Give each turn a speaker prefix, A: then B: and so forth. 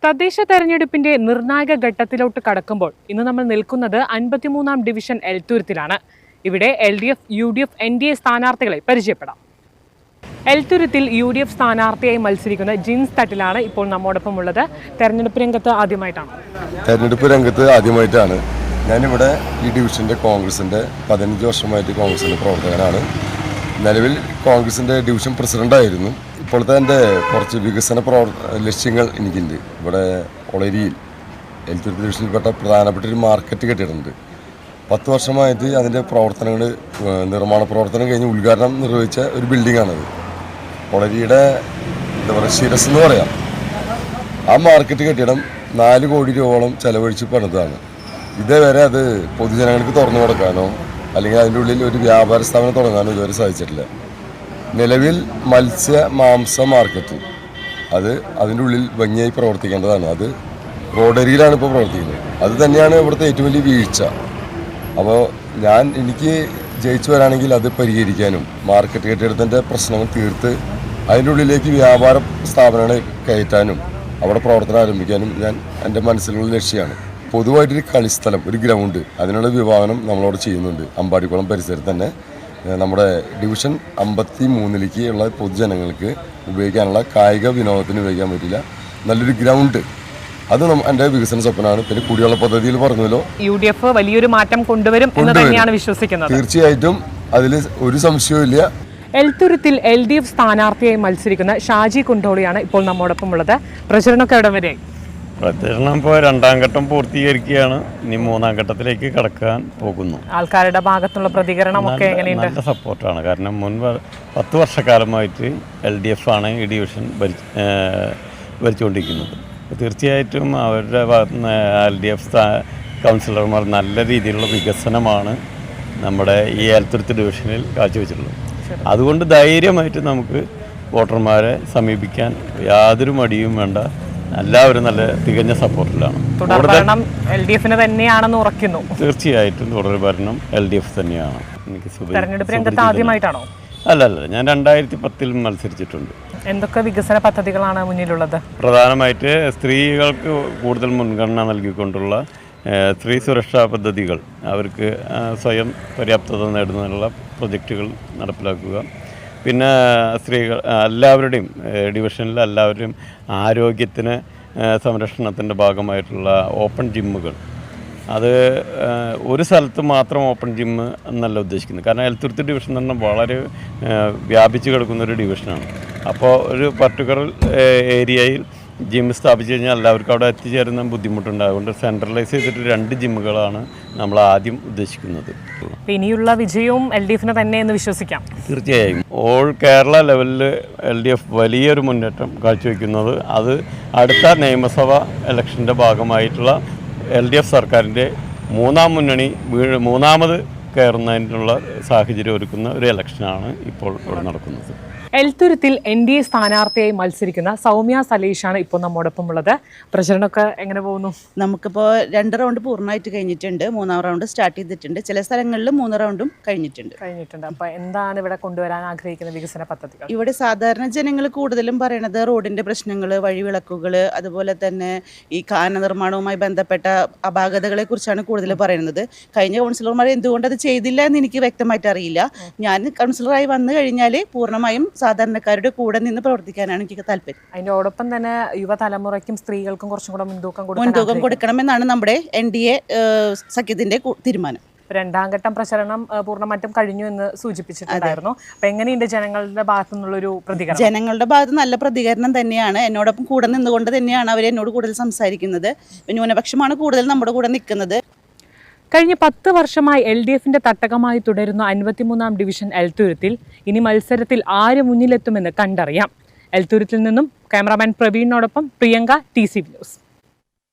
A: തദ്ദേശ തെരഞ്ഞെടുപ്പിന്റെ നിർണായക ഘട്ടത്തിലോട്ട് കടക്കുമ്പോൾ ഇന്ന് നമ്മൾ നിൽക്കുന്നത് 53-ാം ഡിവിഷൻ എൽത്തുരുത്തിലാണ്. ഇവിടെ LDF, UDF, NDA സ്ഥാനാർത്ഥികളെ പരിചയപ്പെടാം. എൽത്തുരുത്തിൽ UDF സ്ഥാനാർത്ഥിയായി മത്സരിക്കുന്ന ജിൻസ് തട്ടിലാണ് ഇപ്പോൾ നമ്മോടൊപ്പം ഉള്ളത്. തെരഞ്ഞെടുപ്പ് രംഗത്ത്
B: ആദ്യമായിട്ടാണ് ഞാനിവിടെ ഈ ഡിവിഷൻ്റെ കോൺഗ്രസിൻ്റെ 15 വർഷമായിട്ട് കോൺഗ്രസിൻ്റെ പ്രവർത്തകനാണ്. നിലവിൽ കോൺഗ്രസിൻ്റെ ഡിവിഷൻ പ്രസിഡൻ്റായിരുന്നു. ഇപ്പോഴത്തെ എൻ്റെ കുറച്ച് വികസന ലക്ഷ്യങ്ങൾ എനിക്കുണ്ട്. ഇവിടെ ഒളരിയിൽ എൽത്തുരുത്തി ഡിവിഷനിൽപ്പെട്ട പ്രധാനപ്പെട്ട ഒരു മാർക്കറ്റ് കെട്ടിയിട്ടുണ്ട്. 10 വർഷമായിട്ട് അതിൻ്റെ പ്രവർത്തനങ്ങൾ, നിർമ്മാണ പ്രവർത്തനം കഴിഞ്ഞ് ഉദ്ഘാടനം നിർവഹിച്ച ഒരു ബിൽഡിങ്ങാണത്. ഒളരിയുടെ എന്താ പറയുക, ശിരസ് എന്ന് പറയാം. ആ മാർക്കറ്റ് കെട്ടിടം 4 കോടി രൂപയോളം ചെലവഴിച്ച് പണിതാണ്. ഇതേവരെ അത് പൊതുജനങ്ങൾക്ക് തുറന്നു കൊടുക്കാനോ അല്ലെങ്കിൽ അതിൻ്റെ ഉള്ളിൽ ഒരു വ്യാപാര സ്ഥാപനം തുടങ്ങാനോ ഇതുവരെ സാധിച്ചിട്ടില്ല. നിലവിൽ മത്സ്യ മാംസ മാർക്കറ്റ് അത് അതിൻ്റെ ഉള്ളിൽ ഭംഗിയായി പ്രവർത്തിക്കേണ്ടതാണ്. അത് റോഡരിയിലാണ് ഇപ്പോൾ പ്രവർത്തിക്കുന്നത്. അത് തന്നെയാണ് ഇവിടുത്തെ ഏറ്റവും വലിയ വീഴ്ച. അപ്പോൾ എനിക്ക് ജയിച്ചു വരാണെങ്കിൽ അത് പരിഹരിക്കാനും മാർക്കറ്റ് കെട്ടിടത്തിൻ്റെ പ്രശ്നങ്ങൾ തീർത്ത് അതിൻ്റെ ഉള്ളിലേക്ക് വ്യാപാര സ്ഥാപനങ്ങൾ കയറ്റാനും അവിടെ പ്രവർത്തനം ആരംഭിക്കാനും എൻ്റെ മനസ്സിലുള്ള ലക്ഷ്യമാണ്. പൊതുവായിട്ടൊരു കളിസ്ഥലം, ഒരു ഗ്രൗണ്ട്, അതിനുള്ള വിഭാവനം നമ്മളോട് ചെയ്യുന്നുണ്ട്. അമ്പാടിക്കുളം പരിസരത്ത് തന്നെ നമ്മുടെ ഡിവിഷൻ 53ലേക്ക് ഉള്ള പൊതുജനങ്ങൾക്ക് ഉപയോഗിക്കാനുള്ള കായിക വിനോദത്തിന് ഉപയോഗിക്കാൻ പറ്റില്ല നല്ലൊരു ഗ്രൗണ്ട്, അത് എൻ്റെ വികസന സ്വപ്നമാണ്. പിന്നെ കുടിവെള്ള പദ്ധതിയിൽ പറഞ്ഞല്ലോ,
A: UDF വലിയൊരു മാറ്റം കൊണ്ടുവരും എന്ന് തന്നെയാണ് വിശ്വസിക്കുന്നത്.
B: തീർച്ചയായിട്ടും അതിൽ ഒരു സംശയവും.
A: എൽത്തുരുത്തിൽ LDF സ്ഥാനാർത്ഥിയായി മത്സരിക്കുന്ന ഷാജി കുണ്ടോളിയാണ് ഇപ്പോൾ നമ്മോടൊപ്പം ഉള്ളത്. പ്രചരണമൊക്കെ എവിടെ വരെയായി?
C: പ്രചരണം ഇപ്പോൾ 2ാം ഘട്ടം പൂർത്തീകരിക്കുകയാണ്. ഇനി 3ാം ഘട്ടത്തിലേക്ക് കടക്കാൻ പോകുന്നു.
A: ആൾക്കാരുടെ ഭാഗത്തുള്ള പ്രതികരണമൊക്കെ എങ്ങനെയുണ്ട്?
C: നല്ല സപ്പോർട്ടാണ്. കാരണം മുൻപ് 10 വർഷക്കാലമായിട്ട് LDF ആണ് ഈ ഡിവിഷൻ ഭരിച്ചുകൊണ്ടിരിക്കുന്നത്. തീർച്ചയായിട്ടും അവരുടെ ഭാഗത്തുനിന്ന് LDF കൗൺസിലർമാർ നല്ല രീതിയിലുള്ള വികസനമാണ് നമ്മുടെ ഈ എൽത്തുരുത്ത് ഡിവിഷനിൽ കാഴ്ചവെച്ചിട്ടുള്ളത്. അതുകൊണ്ട് ധൈര്യമായിട്ട് നമുക്ക് വോട്ടർമാരെ സമീപിക്കാൻ യാതൊരു മടിയും വേണ്ട. എല്ലാവരും നല്ല തികഞ്ഞ സപ്പോർട്ടിലാണ്.
A: LDFന് തന്നെയാണെന്ന് ഉറക്കുന്നു.
C: തീർച്ചയായിട്ടും തുടർ ഭരണം LDF തന്നെയാണ്.
A: തെരഞ്ഞെടുപ്പ് രംഗത്ത് ആദ്യമായിട്ടാണോ?
C: അല്ല, ഞാൻ 2010 മത്സരിച്ചിട്ടുണ്ട്.
A: എന്തൊക്കെ വികസന പദ്ധതികളാണ് മുന്നിലുള്ളത്?
C: പ്രധാനമായിട്ട് സ്ത്രീകൾക്ക് കൂടുതൽ മുൻഗണന നൽകിക്കൊണ്ടുള്ള സ്ത്രീ സുരക്ഷാ പദ്ധതികൾ, അവർക്ക് സ്വയം പര്യാപ്തത നേടുന്നതിനുള്ള പ്രൊജക്റ്റുകൾ നടപ്പിലാക്കുക. പിന്നെ സ്ത്രീകൾ എല്ലാവരുടെയും ഡിവിഷനിൽ എല്ലാവരുടെയും ആരോഗ്യത്തിന് സംരക്ഷണത്തിൻ്റെ ഭാഗമായിട്ടുള്ള ഓപ്പൺ ജിമ്മുകൾ, അത് ഒരു സ്ഥലത്ത് മാത്രം ഓപ്പൺ ജിമ്മ് എന്നല്ല ഉദ്ദേശിക്കുന്നത്. കാരണം എൽത്തുരുത്തി ഡിവിഷൻ എന്ന് പറഞ്ഞാൽ വളരെ വ്യാപിച്ച് കിടക്കുന്നൊരു ഡിവിഷനാണ്. അപ്പോൾ ഒരു പർട്ടിക്കുലർ ഏരിയയിൽ ജിം സ്ഥാപിച്ചു കഴിഞ്ഞാൽ എല്ലാവർക്കും അവിടെ എത്തിച്ചേരുന്ന ബുദ്ധിമുട്ടുണ്ട്. അതുകൊണ്ട് സെൻട്രലൈസ് ചെയ്തിട്ട് 2 ജിമ്മുകളാണ് നമ്മൾ ആദ്യം ഉദ്ദേശിക്കുന്നത്.
A: ഇനിയുള്ള വിജയവും LDFന് തന്നെ എന്ന് വിശ്വസിക്കാം.
C: തീർച്ചയായും ഓൾ കേരള ലെവലിൽ LDF വലിയൊരു മുന്നേറ്റം കാഴ്ചവെക്കുന്നത് അത് അടുത്ത നിയമസഭാ ഇലക്ഷൻ്റെ ഭാഗമായിട്ടുള്ള LDF സർക്കാരിൻ്റെ 3ാം മുന്നണി മൂന്നാമത് കയറുന്നതിനുള്ള സാഹചര്യം ഒരുക്കുന്ന ഒരു ഇലക്ഷനാണ് ഇപ്പോൾ ഇവിടെ നടക്കുന്നത്.
A: എൽത്തുരുത്തിൽ NDA സ്ഥാനാർത്ഥിയായി മത്സരിക്കുന്ന സൗമ്യ സലീഷാണ് ഇപ്പോൾ നമ്മോടൊപ്പം ഉള്ളത്. പ്രചരണമൊക്കെ എങ്ങനെ പോകുന്നു?
D: നമുക്കിപ്പോൾ 2 റൗണ്ട് പൂർണ്ണമായിട്ട് കഴിഞ്ഞിട്ടുണ്ട്. 3ാം റൗണ്ട് സ്റ്റാർട്ട് ചെയ്തിട്ടുണ്ട്. ചില സ്ഥലങ്ങളിൽ 3 റൗണ്ടും കഴിഞ്ഞിട്ടുണ്ട്.
A: അപ്പോൾ എന്താണ് ഇവിടെ കൊണ്ടുവരാൻ ആഗ്രഹിക്കുന്ന വികസന പദ്ധതികൾ?
D: ഇവിടെ സാധാരണ ജനങ്ങൾ കൂടുതലും പറയണത് റോഡിൻ്റെ പ്രശ്നങ്ങൾ, വഴിവിളക്കുകൾ, അതുപോലെ തന്നെ ഈ കാന നിർമ്മാണവുമായി ബന്ധപ്പെട്ട അപാകതകളെ കുറിച്ചാണ് കൂടുതൽ പറയുന്നത്. കഴിഞ്ഞ കൗൺസിലർമാർ എന്തുകൊണ്ട് അത് ചെയ്തില്ല എന്ന് എനിക്ക് വ്യക്തമായിട്ട് അറിയില്ല. ഞാൻ കൗൺസിലറായി വന്നു കഴിഞ്ഞാൽ പൂർണ്ണമായും സാധാരണക്കാരുടെ കൂടെ നിന്ന് പ്രവർത്തിക്കാനാണ് എനിക്ക് താല്പര്യം.
A: അതിനോടൊപ്പം തന്നെ യുവതലമുറയ്ക്കും സ്ത്രീകൾക്കും കുറച്ചും കൂടെ
D: മുൻതൂക്കം കൊടുക്കണമെന്നാണ് നമ്മുടെ NDA സഖ്യത്തിന്റെ തീരുമാനം.
A: 2ാം ഘട്ടം പ്രചരണം പൂർണ്ണമായിട്ടും കഴിഞ്ഞു എന്ന് സൂചിപ്പിച്ചിട്ടുണ്ടായിരുന്നു. അപ്പൊ എങ്ങനെയുണ്ട് ജനങ്ങളുടെ ഭാഗത്തു നിന്നുള്ളൊരു പ്രതികരണം?
D: ജനങ്ങളുടെ ഭാഗത്ത് നല്ല പ്രതികരണം തന്നെയാണ്. എന്നോടൊപ്പം കൂടെ നിന്നുകൊണ്ട് തന്നെയാണ് അവർ എന്നോട് കൂടുതൽ സംസാരിക്കുന്നത്. ന്യൂനപക്ഷമാണ് കൂടുതൽ നമ്മുടെ കൂടെ നിൽക്കുന്നത്.
A: കഴിഞ്ഞ 10 വർഷമായി LDFന്റെ തട്ടകമായി തുടരുന്ന 53-ാം ഡിവിഷൻ എൽത്തുരുത്തിൽ ഇനി മത്സരത്തിൽ ആര് മുന്നിലെത്തുമെന്ന് കണ്ടറിയാം. എൽത്തുരുത്തിൽ നിന്നും ക്യാമറാമാൻ പ്രവീണിനോടൊപ്പം പ്രിയങ്ക, TCV ന്യൂസ്.